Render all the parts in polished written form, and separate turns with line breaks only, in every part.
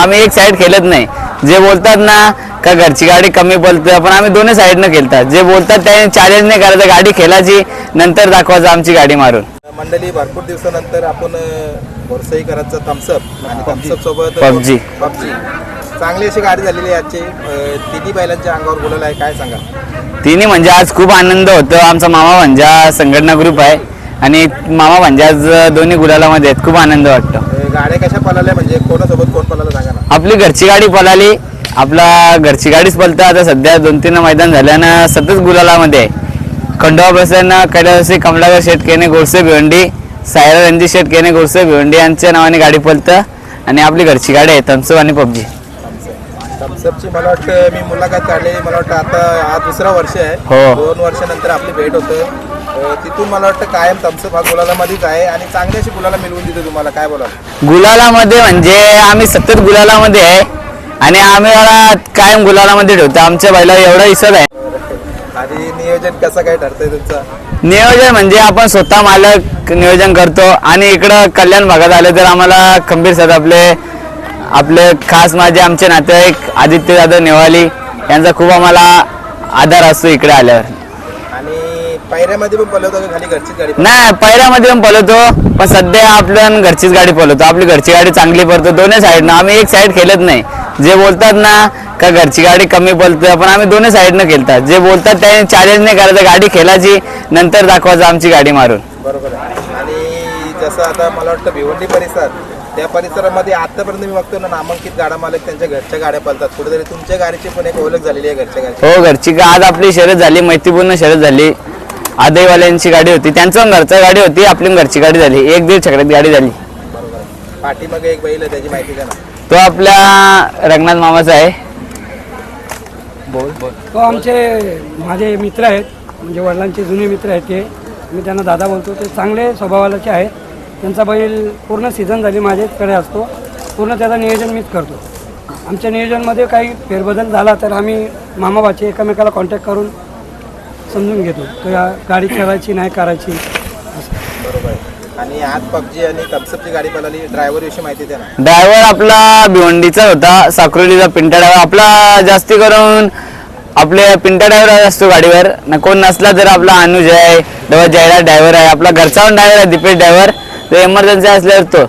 आम्ही एक साईड खेळत नाही. जे बोलतात ना का घरची गाडी कमी पळते, पण आम्ही दोन्ही साईडनं खेळतात. जे बोलतात त्याने चॅलेंज नाही करायचं, गाडी खेळायची नंतर दाखवायचं आमची गाडी मारून.
मंडळी भरपूर दिवसानंतर आपण बोरसईकरांचा थम्सअप आणि थम्सअप सोबत
पबजी
चांगली अशी गाडी झालेली आहे आजची. तिन्ही बैलांच्या अंगावर बोलायला आहे, काय सांगा?
तिन्ही म्हणजे आज खूप आनंद होतो. आमचा मामा भांजा संघटना ग्रुप आहे आणि मामा भांजा आज दोन्ही गुलालामध्ये आहेत. खूप आनंद वाटतो.
गाड्या कशा पळाल्या, म्हणजे कोणासोबत कोण पळाला सांगा ना?
आपली घरची गाडी पळाली, आपला घरची गाडीच पळतं. आता सध्या 2-3 मैदान झाल्यानं सतत गुलालामध्ये आहे. खंडोबा प्रसन्न, कैलासी, कमलाकर शेठ केने, गोडसे भिवंडी, सायरा रणजित शेठ केने, गोडसे भिवंडी यांच्या नावाने गाडी पळतं आणि आपली घरची गाडी आहे थम्सअप आणि पबजी.
थम्सअपची मला वाटतं मी मुलाखत काढली, मला वाटतं आता हा दुसरा वर्ष आहे.
हो.
2 वर्षानंतर आपली भेट होतं. तिथून मला वाटतं कायम थम्सअप हा गुलालामध्येच आहे आणि चांगली अशी गुलाला मिळवून देतो. तुम्हाला काय बोलाल?
गुलालामध्ये म्हणजे आम्ही सतत गुलालामध्ये आहे आणि आम्ही कायम गुलालामध्ये ठेवतो. आमच्या बैलाला एवढा हिस्सा आहे.
आणि नियोजन कसं काय ठरतंय तुमचं?
नियोजन म्हणजे आपण स्वतः मालक नियोजन करतो आणि इकडं कल्याण भागात आले तर आम्हाला खंबीर सर आपले खास माझे आमचे नातेवाईक आदित्य दादा नेवाली यांचा खूप आम्हाला आधार असतो इकडे आल्यावर.
आणि पायऱ्यामध्ये पण पळवतो का खाली घरचीच गाडी?
नाही, पायऱ्यामध्ये पण पळवतो, पण सध्या आपण घरचीच गाडी पळवतो. आपली घरची गाडी चांगली पळतो दोन्ही साईडनं. आम्ही एक साईड खेळत नाही. जे बोलतात ना का घरची गाडी कमी पळते, पण आम्ही दोन्ही साईडनं खेळतात. जे बोलतात त्याने चॅलेंज नाही करायचं, गाडी खेळायची नंतर दाखवायचं आमची गाडी मारून.
बरोबर आहे. आणि जसं आता मला वाटतं भिवंडी परिसर, त्या परिसरामध्ये आतापर्यंत मी बघतो ना नामांकित गाडा मालक त्यांच्या घरच्या गाड्या पळतात. कुठेतरी तुमच्या गाडीची पण एक ओळख झालेली आहे घरच्या गाडीची.
हो, घरची आज आपली शर्यत झाली, मैत्रीपूर्ण शर्यत झाली. आदईवाल्यांची गाडी होती, त्यांचं घरची गाडी होती, आपली घरची गाडी झाली. 1-1.5 चक्रात गाडी झाली.
बरोबर आहे. पाठीमागे एक बैल आहे, त्याची माहिती द्या ना.
तो आपल्या रंगनाथ मामाचा आहे.
तो माझे मित्र आहेत, म्हणजे वडिलांचे जुने मित्र आहेत. ते मी त्यांना दादा बोलतो. ते चांगले स्वभावाचे आहेत. त्यांचा बैल पूर्ण सीझन झाली माझ्याकडे असतो. पूर्ण त्याचं नियोजन मीच करतो. आमच्या नियोजनमध्ये काही फेरबदल झाला तर आम्ही मामाबाचे एकमेकाला कॉन्टॅक्ट करून समजून घेतो किंवा गाडी करायची नाही करायची.
बरोबर आहे. आणि आज पबजी आणि थम्सअपची गाडी पळाली, ड्रायव्हर विषयी माहिती द्या ना.
ड्रायव्हर आपला भिवंडीचा होता, साक्रोलीचा पिंटा ड्रायव्हर. आपला जास्ती करून आपले पिंटा ड्रायव्हर असतो गाडीवर. कोण नसला तर आपला अनुज आहे, जयराज ड्रायव्हर आहे, आपला घरचा पण ड्रायव्हर आहे दीपेश ड्रायव्हर. तो एमर्जन्सी असल्यावर तो.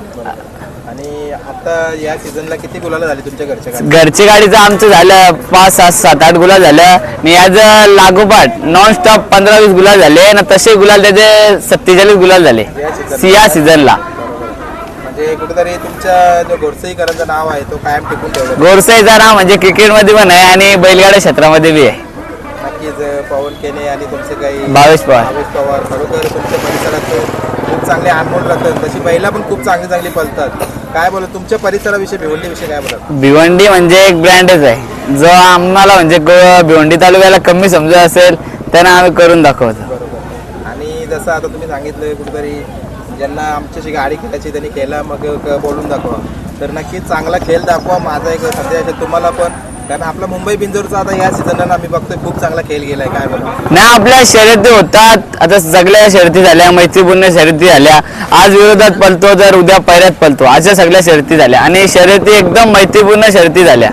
आणि आता या सीझनला किती गुलाला झाली तुमच्या घरच्या गाडी?
घरची गाडीचं आमचं झालं 5, 7, 7, 8 गुलाल झालं आणि याचं लागोपाठ नॉनस्टॉप 15-20 गुलाल झाले ना. तसे गुलाल त्याचे 47 गुलाल झाले या सीझनला.
म्हणजे कुठेतरी तुमच्या जो गोडसईकरांचं नाव आहे तो कायम टिकून ठेवलं.
गोरसाईचं नाव म्हणजे क्रिकेटमध्ये पण आहे आणि बैलगाड्या क्षेत्रामध्ये बी आहे.
नक्कीच. पवन केने आणि तुमचे काही
भावेश पवार
खरोखर तुमच्या परिसरात खूप चांगले अनमोल राहतात. तशी बैला पण खूप चांगली पळतात. काय बोलत तुमच्या परिसराविषयी, भिवंडीविषयी काय बोलत?
भिवंडी म्हणजे एक ब्रँडच आहे. जो आम्हाला म्हणजे भिवंडी तालुक्याला कमी समजत असेल त्यांना आम्ही करून दाखवतो.
बरोबर. आणि जसं आता तुम्ही सांगितलं कुठेतरी ज्यांना आमच्याशी गाडी खेळायची त्यांनी खेळा, मग बोलून दाखवा. तर नक्कीच चांगला खेळ दाखवा. माझा एक संदेश आहे तुम्हाला पण, कारण आपला मुंबई बिंजोरचा आता या सीझनला आम्ही बघतोय खूप चांगला खेळ गेलाय. काय बोला?
नाही, आपल्या शर्यती होतात. आता सगळ्या शर्यती झाल्या, मैत्रीपूर्ण शर्यती झाल्या. आज विरोधात पळतो तर उद्या पैऱ्यात पळतो, अशा सगळ्या शर्यती झाल्या आणि शर्यती एकदम मैत्रीपूर्ण शर्यती झाल्या.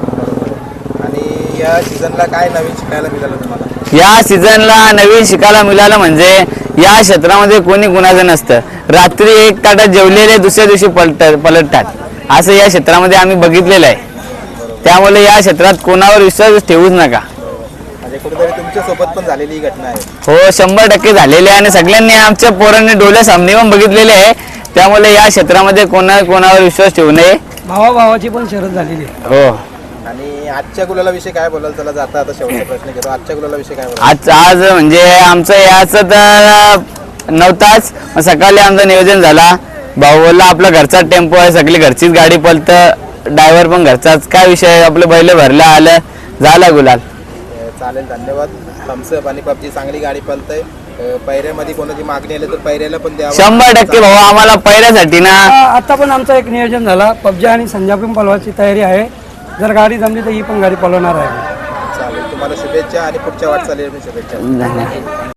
आणि या सीझनला काय नवीन शिकायला मिळालं तुम्हाला?
या सीझनला नवीन शिकायला मिळालं म्हणजे या क्षेत्रामध्ये कोणी कुणाचं नसतं. रात्री 1 ताटात जेवलेले दुसऱ्या दिवशी पलटतात, असं या क्षेत्रामध्ये आम्ही बघितलेलं आहे. त्यामुळे या क्षेत्रात कोणावर विश्वास ठेवूच नका.
म्हणजे कुठेतरी तुमच्या सोबत पण झालेली घटना आहे?
हो, 100% झालेली आहे आणि सगळ्यांनी आमच्या पोरांनी डोळे सामने पण बघितलेले आहे. त्यामुळे या क्षेत्रामध्ये कोणावर विश्वास ठेवू नये.
भावाभावाची पण शर्यत झालेली आहे.
हो.
आणि आजच्या गुलाला विषयी काय बोलाल? चला जाता आता शेवटचा प्रश्न घेतो. आजच्या गुलाला विषयी काय बोलाल?
आज म्हणजे आमचं याचं तर नव्हताच. सकाळी आमचं नियोजन झाला. भाऊ बोलला आपला घरचा टेम्पो आहे, सगळी घरचीच गाडी पळतं, ड्रायव्हर पण घरचाच, काय विषय, आपलं बैल भरलं आलं, झाला गुलाल.
चालेल, धन्यवाद. थम्सअप आणि पबजी चांगली गाडी पळतंय. पैऱ्यामध्ये कोणाची मागणी आली तर पैऱ्याला पण द्या.
100% भाऊ, आम्हाला पैऱ्यासाठी ना
आता पण आमचं एक नियोजन झाला. पबजी आणि संजा पण पळवायची तयारी आहे. जर गाडी जमली तर ही पण गाडी पळवणार आहे.
चालेल, तुम्हाला शुभेच्छा आणि पुढच्या वाटचालीला शुभेच्छा.
धन्यवाद.